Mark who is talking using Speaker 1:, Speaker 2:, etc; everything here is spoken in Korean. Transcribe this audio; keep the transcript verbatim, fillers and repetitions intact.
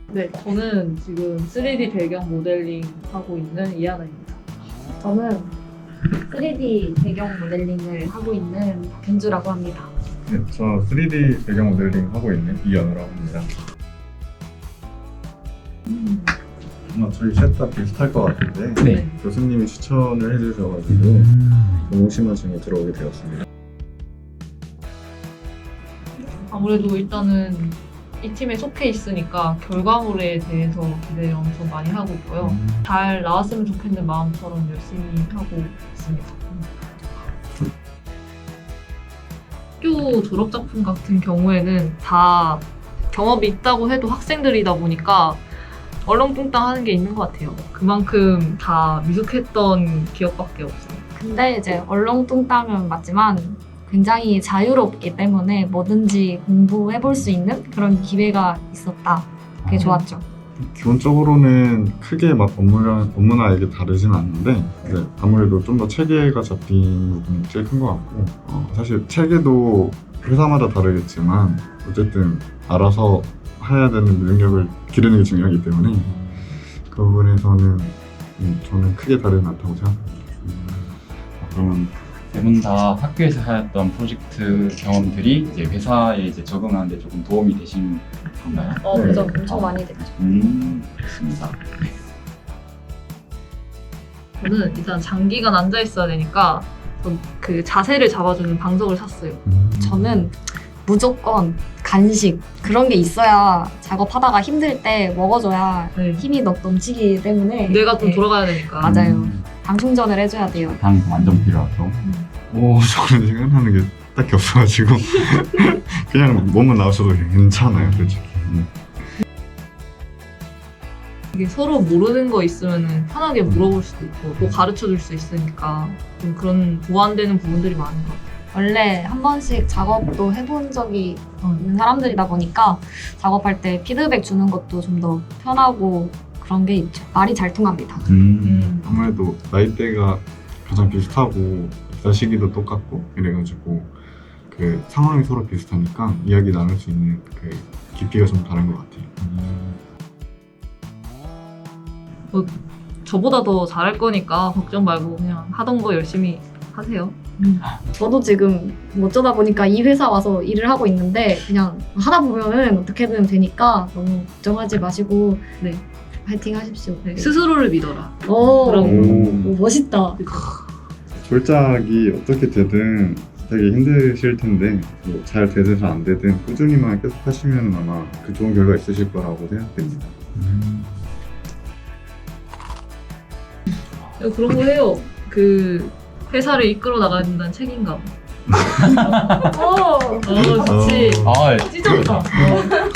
Speaker 1: 네, 저는 지금 쓰리디 배경 모델링 하고 있는 이하나입니다.
Speaker 2: 저는 쓰리디 배경 모델링을 하고 있는 박현주라고 합니다.
Speaker 3: 네, 저 쓰리디 배경 모델링 하고 있는 이연우라고 합니다.
Speaker 2: 음.
Speaker 3: 아마 저희 셋 다 비슷할 것 같은데
Speaker 4: 네.
Speaker 3: 교수님이 추천을 해주셔가지고 동시마 중에 들어오게 되었습니다.
Speaker 1: 아무래도 일단은 이 팀에 속해 있으니까 결과물에 대해서 기대를 엄청 많이 하고 있고요. 잘 나왔으면 좋겠는 마음처럼 열심히 하고 있습니다. 학교 졸업작품 같은 경우에는 다 경험이 있다고 해도 학생들이다 보니까 얼렁뚱땅 하는 게 있는 것 같아요. 그만큼 다 미숙했던 기억밖에 없어요.
Speaker 2: 근데 이제 얼렁뚱땅은 맞지만 굉장히 자유롭기 때문에 뭐든지 공부해볼 수 있는 그런 기회가 있었다. 그게 좋았죠.
Speaker 3: 기본적으로는 크게 막 업무나, 업무나 이게 다르진 않는데 네, 아무래도 좀 더 체계가 잡힌 부분이 제일 큰 것 같고 어, 사실 체계도 회사마다 다르겠지만 어쨌든 알아서 해야 되는 능력을 기르는 게 중요하기 때문에 그 부분에서는 음, 저는 크게 다르지 않다고 생각합니다.
Speaker 4: 그러면 세 분 다 학교에서 하였던 프로젝트 경험들이 이제 회사에 이제 적응하는데 조금 도움이 되신 건가요?
Speaker 2: 어,
Speaker 3: 네.
Speaker 2: 그죠. 엄청 많이 됐죠.
Speaker 4: 음, 그렇습니다.
Speaker 1: 저는 일단 장기간 앉아 있어야 되니까 그 자세를 잡아주는 방석을 샀어요.
Speaker 2: 저는 무조건 간식 그런 게 있어야 작업하다가 힘들 때 먹어줘야
Speaker 1: 네.
Speaker 2: 힘이 넘, 넘치기 때문에
Speaker 1: 뇌가 좀
Speaker 2: 네.
Speaker 1: 돌아가야 되니까.
Speaker 2: 맞아요.
Speaker 4: 음,
Speaker 2: 당 충전을 해줘야 돼요.
Speaker 4: 당이 완전 필요하죠.
Speaker 3: 오, 저는 생각나는 게 딱히 없어가지고 그냥 몸만 나오셔도 괜찮아요, 솔직히. 음.
Speaker 1: 이게 서로 모르는 거 있으면 편하게 물어볼 수도 있고 또 가르쳐 줄 수 있으니까 좀 그런 보완되는 부분들이 많은 것 같아요.
Speaker 2: 원래 한 번씩 작업도 해본 적이 있는 사람들이다 보니까 작업할 때 피드백 주는 것도 좀 더 편하고 그런 게 있죠. 말이 잘 통합니다.
Speaker 4: 음,
Speaker 3: 아무래도 나이대가 가장 비슷하고 입사 시기도 똑같고 이래가지고 그 상황이 서로 비슷하니까 이야기 나눌 수 있는 그 깊이가 좀 다른 것 같아요.
Speaker 1: 뭐, 저보다 더 잘할 거니까 걱정 말고 그냥 하던 거 열심히 하세요.
Speaker 2: 저도 지금 어쩌다 보니까 이 회사 와서 일을 하고 있는데 그냥 하다 보면은 어떻게든 되니까 너무 걱정하지 마시고
Speaker 1: 네.
Speaker 2: 파이팅 하십시오.
Speaker 1: 네, 스스로를 믿어라.
Speaker 2: 오,
Speaker 1: 그럼.
Speaker 2: 오, 멋있다.
Speaker 3: 졸작이 어떻게 되든 되게 힘드실 텐데 뭐 잘 되든 안 되든 꾸준히만 계속 하시면 아마 그 좋은 결과 있으실 거라고 생각됩니다.
Speaker 4: 음.
Speaker 1: 그런 거 해요. 그 회사를 이끌어 나간다는 책임감.
Speaker 2: 오,
Speaker 1: 어, 좋지.
Speaker 4: 아,
Speaker 1: 찢었다. 어.